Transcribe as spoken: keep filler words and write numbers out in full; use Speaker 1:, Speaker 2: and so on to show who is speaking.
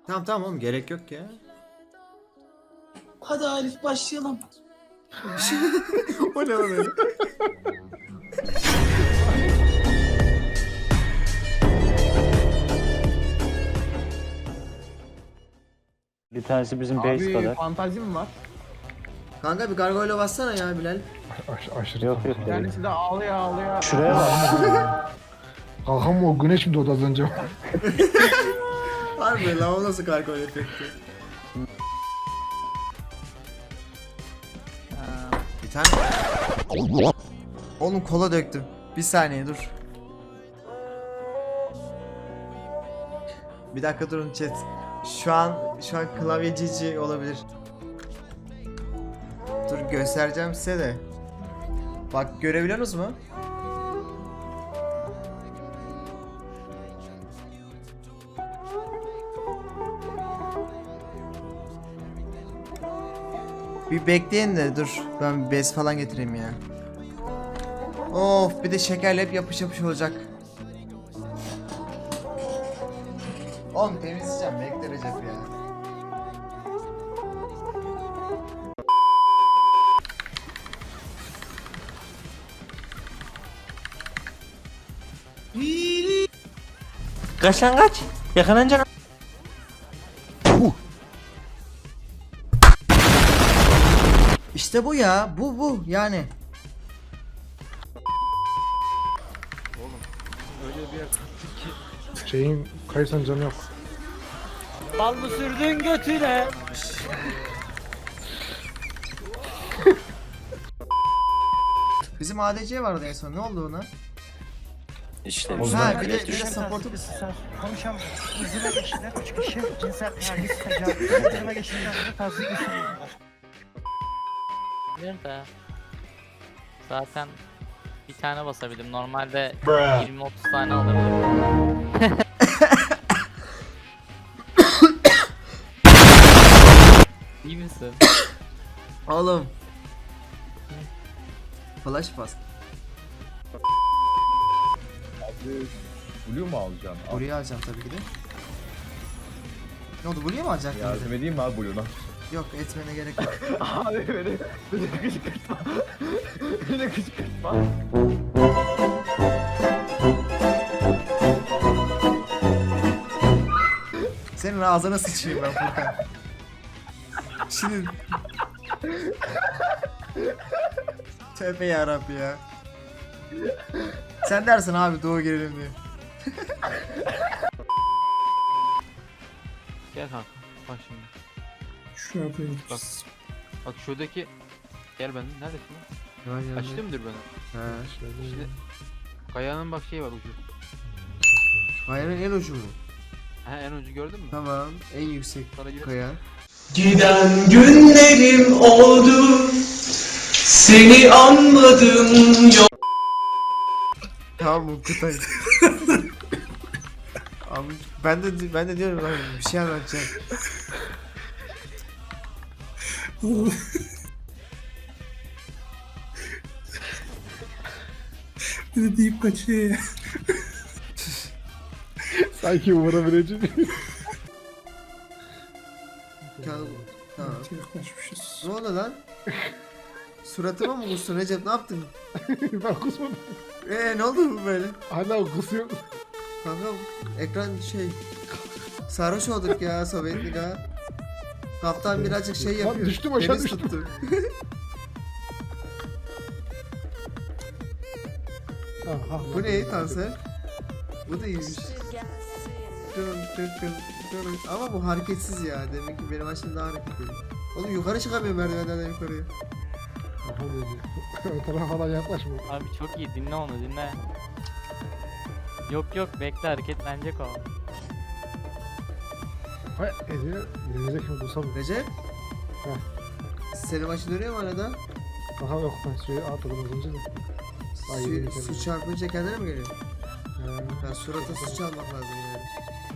Speaker 1: Tamam tamam oğlum, gerek yok ya.
Speaker 2: Hadi Arif başlayalım.
Speaker 1: O ne lan öyle?
Speaker 3: Bir tanesi bizim base
Speaker 2: Abi
Speaker 3: kadar.
Speaker 2: fantazi mi var?
Speaker 1: Kanka bir gargoyle bassana ya Bilal.
Speaker 4: Aş aşırı
Speaker 3: Yok
Speaker 4: kanka.
Speaker 3: yok.
Speaker 2: Bir tanesi de ağlıyor ağlıyor.
Speaker 3: Şuraya bak.
Speaker 4: Kankam o güneş mi doğdu az önce?
Speaker 1: Harbi lan, o nasıl gargoyle efekti? Bir tane... Oğlum kola döktüm. Bir saniye dur. Bir dakika durun chat. Şu an şu an klavye cici olabilir. Dur göstereceğim size de. Bak görebiliyorsunuz mu? Bir bekleyin de dur. Ben bir bez falan getireyim ya. Of, bir de şekerle hep yapış yapış olacak. Oğlum temizleyeceğim, bekle Recep ya.
Speaker 5: Kaç lan kaç? Yakalanacaksın.
Speaker 1: İşte bu ya, bu bu yani.
Speaker 4: Şeyin kaysan canı yok.
Speaker 3: Bal mı sürdün götüne?
Speaker 1: Bizim A D C vardı en son, ne oldu ona?
Speaker 5: İşte
Speaker 1: Ha bir de, bir de support'u...
Speaker 6: Konuşan izine geçilen üç kişi cinsel taciz, tecavüz, izine geçilen taciz geçiriyor.
Speaker 7: Bir de zaten bir tane basabildim. Normalde yirmi otuz tane alırdım. İyi misin?
Speaker 1: Oğlum. Flash pass.
Speaker 8: Blue mu alacaksın? Al.
Speaker 1: Buraya alacağım tabii ki de. Ne oldu, buraya mı alacaktın? bir de?
Speaker 8: Yardım edeyim mi abi Blue'na?
Speaker 1: Yok, etmene gerek yok.
Speaker 8: Abi beni, beni kışkırtma. Beni kışkırtma.
Speaker 1: Senin ağzına sıçayım ben Furkan. Şimdi... Tövbe yarabbi ya. Sen dersin abi doğu girelim diye.
Speaker 9: Gel kanka. Bak şimdi.
Speaker 4: Şu yapayım.
Speaker 9: Bak. Bak şuradaki. Gel ben. Neredesin lan? Açtı mıdır beni?
Speaker 1: He.
Speaker 9: Şimdi. Kayanın bak şeyi var ucu.
Speaker 1: Kayanın en ucu mu?
Speaker 9: Ha en ucu gördün mü?
Speaker 1: Tamam. En yüksek
Speaker 9: Sana gir.
Speaker 1: kaya.
Speaker 2: Giden günlerim oldu. Seni anladım yok.
Speaker 1: Tamam bu Kutay. Abi ben de ben de diyorum lan, bir şey anlatacağım.
Speaker 4: Bir de deyip kaçıyor ya. Sanki vurabilecek.
Speaker 1: Tamam. Tamam.
Speaker 4: Yaklaşmışız.
Speaker 1: Ne oldu lan? Suratıma mı kustun Recep, ne yaptın?
Speaker 4: Ben kusmadım.
Speaker 1: Eee ne oldu bu böyle?
Speaker 4: Hala kusuyor.
Speaker 1: Kanka ekran şey... Sarhoş olduk ya Sovyetlik ha. Kaptan birazcık şey
Speaker 4: Lan
Speaker 1: yapıyor.
Speaker 4: düştüm, aşağı
Speaker 1: Deniz
Speaker 4: düştüm.
Speaker 1: tuttu.
Speaker 4: Aha,
Speaker 1: Bu ne kanser? Bu da iyiymiş. Dön, dön, dön, dön. Ama bu hareketsiz ya. Demek ki benim açım daha hareketli. Oğlum yukarı çıkamıyorum merdivenlerden yukarıya.
Speaker 4: Aha dedi. O tarafa falan yaklaşma.
Speaker 7: Abi çok iyi, dinle onu dinle. Yok yok, bekle, hareketlenecek o.
Speaker 4: Hay ediyor. Gelecek mi bulsam?
Speaker 1: Recep.
Speaker 4: Heh.
Speaker 1: Senin başın dönüyor mu arada?
Speaker 4: Aha yok ben suyu atladım az önce de. Ay,
Speaker 1: Su,
Speaker 4: yeni
Speaker 1: su
Speaker 4: geldi.
Speaker 1: çarpınca kendine mi geliyor?
Speaker 4: Ee,
Speaker 1: Ya surata su çalmak lazım yani.